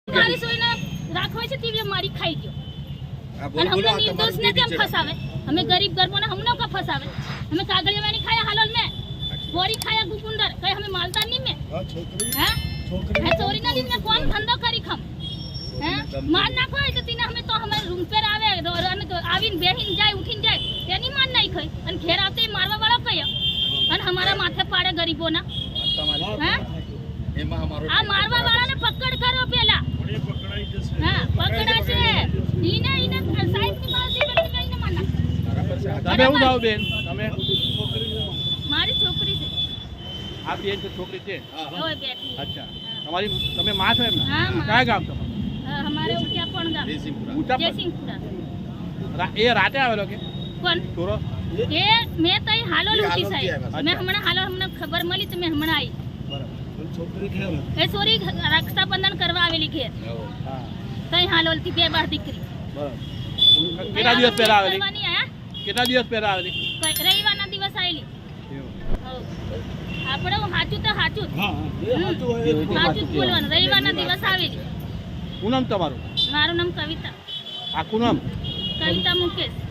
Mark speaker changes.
Speaker 1: મારી સોયને રાખવા છે તીવી મારી ખાઈ ગયો અને હમને નિર્દોષ ને કેમ ફસાવે અમે ગરીબ ગરબોને હમને કા ફસાવે અમે કાગળિયા વાણી ખાયા હાલોલ મે બોરી ખાયા ગુકુંદર કઈ અમે માલતા નહીં મે છોકરી ચોરી ના दिन में कौन धंधो करी खम हैं मार नाखो है तो तीने हमें तो हमारे रूम पर आवे અને તો આવીને બેહીને જાય ઉઠીને જાય તેની માર નાઈ ખઈ અને ઘેર આવતે મારવા વાળો કયો અને હમારા માથે પાડે ગરીબોના हैं
Speaker 2: એમાં અમારો
Speaker 1: આ મારવા વાળાને પકડ કરો પેલા હા પકડા છે ઈને સાહેબ ની માલતી બેન કઈને મારના
Speaker 3: તમે હું જાવ બેન તમે
Speaker 1: મારી છોકરી છે
Speaker 3: આ બેન તો છોકરી છે
Speaker 1: ઓય બેઠી
Speaker 3: અચ્છા તમારી તમે માં છો એમ
Speaker 1: હા, માં.
Speaker 3: કયા ગામ તમારું
Speaker 1: हमारे उठिया पण गाम
Speaker 3: ઊંચા
Speaker 1: जयसिंहपुरा
Speaker 3: એ રાતે આવેલો કે
Speaker 1: કોણ
Speaker 3: ચોરો
Speaker 1: એ મેં તઈ હાલોલ ઉઠી
Speaker 2: હાલોલથી
Speaker 1: સાહેબ
Speaker 2: આવ્યા.
Speaker 1: મેં હમણાં હાલોલ મને ખબર મળી તો મેં હમણાં આવી
Speaker 3: બરાબર
Speaker 1: એ સોરી રક્ષાબંધન કરવા આવેલી ઘેર
Speaker 3: હા
Speaker 1: તઈ હાલોલ થી બે બાર દીકરી
Speaker 3: બરાબર કેટલા દિવસ પહેલા આવેલી
Speaker 1: કરવાની આયા
Speaker 3: કેટલા દિવસ પહેલા આવેલી
Speaker 1: રવિવારના દિવસ આવેલી આપણે સાચું તો સાચું સાચું જ બોલવાનું રવિવારના દિવસ આવેલી
Speaker 3: શું નામ તમારું
Speaker 1: મારું નામ કવિતા
Speaker 3: આખું નામ
Speaker 1: કવિતા મુકેશ